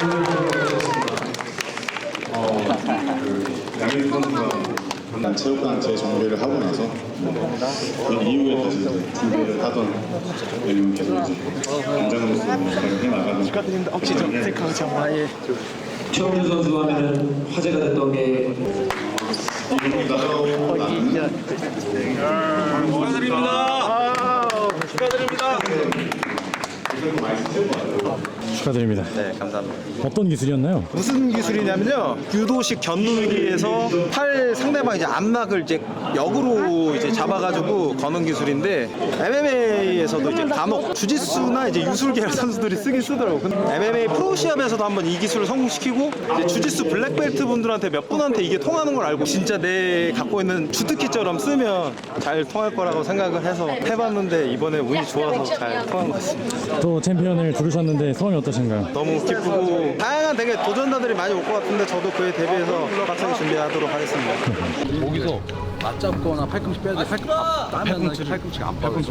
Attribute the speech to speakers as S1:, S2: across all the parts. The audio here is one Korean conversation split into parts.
S1: 양현 선수가 체육관 재정비를 하고 나서 그 이후에 다시 준비를 하던 내용 계속 이제 단장으로서 해 나가는.
S2: 축하드립니다. 혹시 좀 셀카 정말 예.
S3: 최원준 선수 하면은 화제가 됐던 게
S4: 축하드립니다.
S2: 네, 감사합니다.
S4: 어떤 기술이었나요?
S2: 무슨 기술이냐면요, 유도식 견누기에서 팔 상대방 이제 앞락을 이제 역으로 이제 잡아가지고 거는 기술인데, MMA에서도 이제 간혹 주짓수나 이제 유술계열 선수들이 쓰긴 쓰더라고. 근데 MMA 프로 시합에서도 한번 이 기술을 성공시키고 이제 주짓수 블랙벨트 분들한테 몇 분한테 이게 통하는 걸 알고 진짜 내 갖고 있는 주특기처럼 쓰면 잘 통할 거라고 생각을 해서 해봤는데 이번에 운이 좋아서 잘 통한 것 같습니다.
S4: 또 챔피언을 부르셨는데 소감이 어떠신가요?
S2: 너무 기쁘고 다양한 되게 도전자들이 많이 올 것 같은데 저도 그에 대비해서 빡세게 준비하도록 하겠습니다.
S5: 거기서 맞잡거나 팔꿈치 빼야 돼. 팔꿈치가 안 빠져.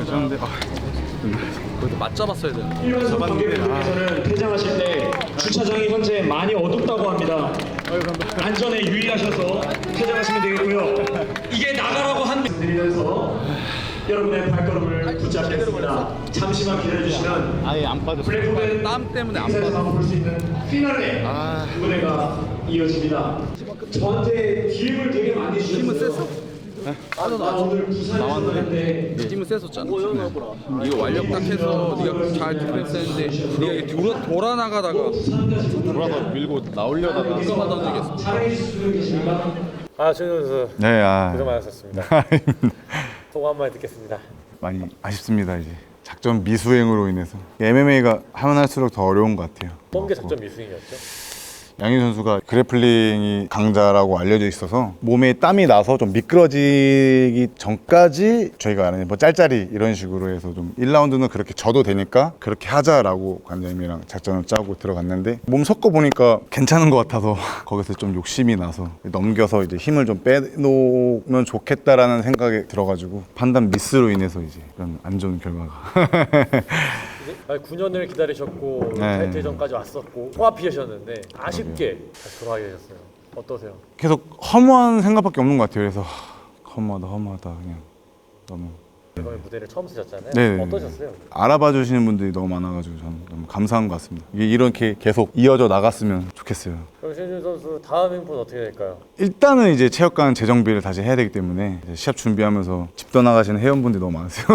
S5: 거기서 맞잡았어야 되는데.
S6: 경기에서는 퇴장하실 때 주차장이 현재 많이 어둡다고 합니다. 안전에 유의하셔서 퇴장하시면 되겠고요. 이게 나가라고 한 드리면서 여러분의 발걸음을 붙잡겠습니다. 잠시만 기다려주시면
S5: 아예 안 빠졌어.
S6: 블랙홀은
S5: 땀 때문에 안 빠져.
S6: 인사에서 볼수 있는 피날레 무대가 이어집니다. 저한테 기회를 되게 많이 주셨어요.
S5: 힘은 셌어?
S6: 나 오늘 부산에서 왔는데
S5: 힘은 셌었잖아. 이거 완력 딱 해서 네가 잘 디펜스 했는데 네가 이게 돌아 나가다가 돌아서 밀고 나오려다가 누가 던지겠어.
S6: 자랑해 주실 분 계십니까?
S7: 최준 선수
S8: 네,
S7: 고생 많으셨습니다. 소감 한마디 듣겠습니다.
S8: 많이 아쉽습니다. 이제 작전 미수행으로 인해서 MMA가 하면 할수록 더 어려운 것 같아요.
S7: 어떤 게 작전 미수행이었죠?
S8: 양희 선수가 그래플링이 강자라고 알려져 있어서 몸에 땀이 나서 좀 미끄러지기 전까지 저희가 아는 뭐 짤짤이 이런 식으로 해서 좀 1라운드는 그렇게 져도 되니까 그렇게 하자라고 관장님이랑 작전을 짜고 들어갔는데 몸 섞어 보니까 괜찮은 것 같아서 거기서 좀 욕심이 나서 넘겨서 이제 힘을 좀 빼놓으면 좋겠다라는 생각이 들어가지고 판단 미스로 인해서 이제 이런 안 좋은 결과가
S7: 9년을 기다리셨고
S8: 네.
S7: 타이틀전까지 왔었고 통합피하셨는데 아쉽게 다시 돌아가게 되셨어요. 어떠세요?
S8: 계속 허무한 생각밖에 없는 것 같아요. 그래서 허무하다 그냥 너무
S7: 이번에 무대를 처음 쓰셨잖아요.
S8: 네.
S7: 어떠셨어요?
S8: 알아봐 주시는 분들이 너무 많아가지고 저는 너무 감사한 것 같습니다. 이게 이렇게 계속 이어져 나갔으면 좋겠어요.
S7: 그럼 신준 선수 다음 행보는 어떻게 될까요?
S8: 일단은 이제 체육관 재정비를 다시 해야 되기 때문에 이제 시합 준비하면서 집 떠나가시는 회원분들이 너무 많으세요.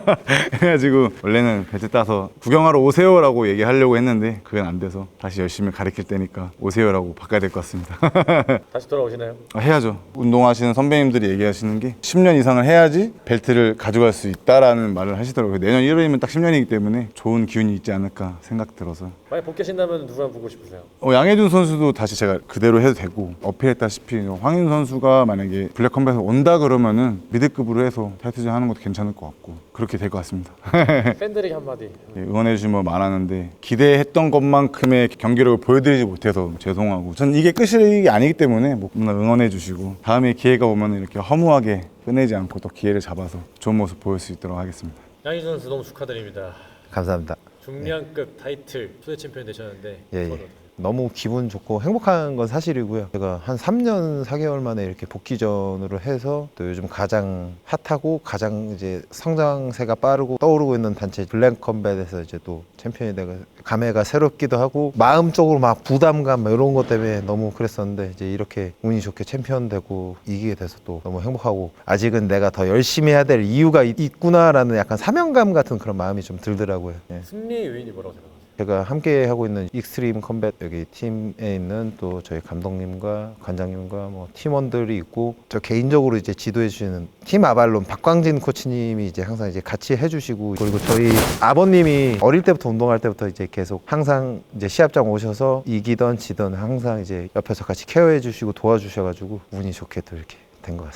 S8: 그래가지고 원래는 벨트 따서 구경하러 오세요라고 얘기하려고 했는데 그건 안 돼서 다시 열심히 가르칠 때니까 오세요라고 바꿔야 될 것 같습니다.
S7: 다시 돌아오시나요?
S8: 해야죠. 운동하시는 선배님들이 얘기하시는 게 10년 이상을 해야지 벨트를 가져갈 수 있다라는 말을 하시더라고요. 내년 1월이면 딱 10년이기 때문에 좋은 기운이 있지 않을까 생각 들어서.
S7: 만약 복귀하신다면 누구랑 보고 싶으세요?
S8: 양혜준 선수도 다시 제가 그대로 해도 되고 어필했다시피 황인 선수가 만약에 블랙컴뱃에서 온다 그러면은 미드급으로 해서 타이틀전 하는 것도 괜찮을 것 같고 그렇게 될 것 같습니다.
S7: 팬들에게 한마디.
S8: 응원해 주시면 뭐 많았는데 기대했던 것만큼의 경기력을 보여드리지 못해서 죄송하고 전 이게 끝이 아니기 때문에 뭐 응원해 주시고 다음에 기회가 오면 이렇게 허무하게 끝내지 않고 또 기회를 잡아서 좋은 모습 보일 수 있도록 하겠습니다.
S7: 양희준 선수 너무 축하드립니다.
S2: 감사합니다.
S7: 중량급 타이틀 초대 챔피언 되셨는데
S2: 예. 너무 기분 좋고 행복한 건 사실이고요. 제가 한 3년 4개월 만에 이렇게 복귀전으로 해서 또 요즘 가장 핫하고 가장 이제 성장세가 빠르고 떠오르고 있는 단체 블랙컴뱃에서 이제 또 챔피언이 되고 감회가 새롭기도 하고 마음적으로 막 부담감 이런 것 때문에 너무 그랬었는데 이제 이렇게 운이 좋게 챔피언 되고 이기게 돼서 또 너무 행복하고 아직은 내가 더 열심히 해야 될 이유가 있구나라는 약간 사명감 같은 그런 마음이 좀 들더라고요. 예.
S7: 승리의 요인이 뭐라고 생각하세요?
S2: 제가 함께 하고 있는 익스트림 컴뱃 여기 팀에 있는 또 저희 감독님과 관장님과 뭐 팀원들이 있고 저 개인적으로 이제 지도해 주시는 팀 아발론 박광진 코치님이 이제 항상 이제 같이 해주시고 그리고 저희 아버님이 어릴 때부터 운동할 때부터 이제 계속 항상 이제 시합장 오셔서 이기던 지던 항상 이제 옆에서 같이 케어해 주시고 도와주셔가지고 운이 좋게 또 이렇게 된 것 같습니다.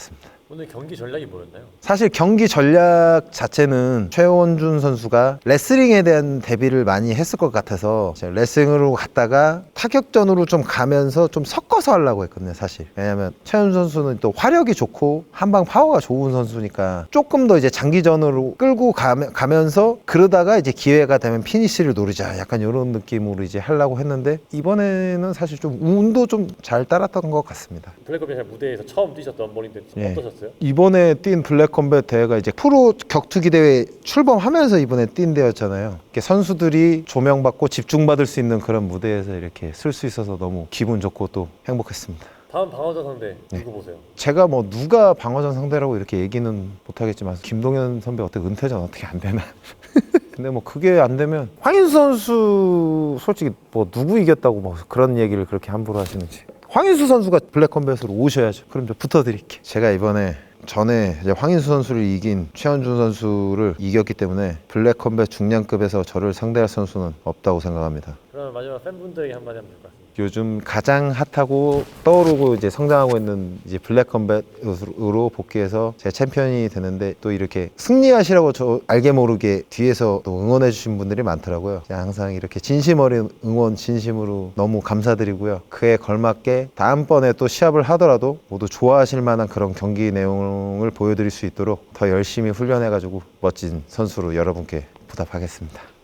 S7: 오늘 경기 전략이 뭐였나요?
S2: 사실 경기 전략 자체는 최원준 선수가 레슬링에 대한 대비를 많이 했을 것 같아서 제가 레슬링으로 갔다가 타격전으로 좀 가면서 좀 섞어서 하려고 했거든요, 사실. 왜냐면 최원준 선수는 또 화력이 좋고 한방 파워가 좋은 선수니까 조금 더 이제 장기전으로 끌고 가면서 그러다가 이제 기회가 되면 피니시를 노리자, 약간 이런 느낌으로 이제 하려고 했는데 이번에는 사실 좀 운도 좀 잘 따랐던 것 같습니다.
S7: 블랙컴뱃 무대에서 처음 뛰셨던 머리인데
S2: 예.
S7: 어떠셨어요?
S2: 이번에 뛴 블랙컴뱃 대회가 이제 프로 격투기 대회 출범하면서 이번에 뛴 대회였잖아요. 이렇게 선수들이 조명받고 집중받을 수 있는 그런 무대에서 이렇게 쓸 수 있어서 너무 기분 좋고 또 행복했습니다.
S7: 다음 방어전 상대 누구 보세요?
S2: 제가 뭐 누가 방어전 상대라고 이렇게 얘기는 못하겠지만 김동현 선배 어떻게 은퇴전 어떻게 안 되나? 근데 뭐 그게 안 되면 황인수 선수 솔직히 뭐 누구 이겼다고 뭐 그런 얘기를 그렇게 함부로 하시는지. 황인수 선수가 블랙컴뱃으로 오셔야죠. 그럼 좀 붙어드릴게. 제가 이번에 전에 이제 황인수 선수를 이긴 최원준 선수를 이겼기 때문에 블랙컴뱃 중량급에서 저를 상대할 선수는 없다고 생각합니다.
S7: 그러면 마지막 팬분들에게 한마디 하면 될 것 같습니다.
S2: 요즘 가장 핫하고 떠오르고 이제 성장하고 있는 이제 블랙컴뱃으로 복귀해서 제 챔피언이 되는데 또 이렇게 승리하시라고 저 알게 모르게 뒤에서 또 응원해 주신 분들이 많더라고요. 항상 이렇게 진심 어린 응원 진심으로 너무 감사드리고요. 그에 걸맞게 다음번에 또 시합을 하더라도 모두 좋아하실 만한 그런 경기 내용을 보여드릴 수 있도록 더 열심히 훈련해 가지고 멋진 선수로 여러분께 보답하겠습니다.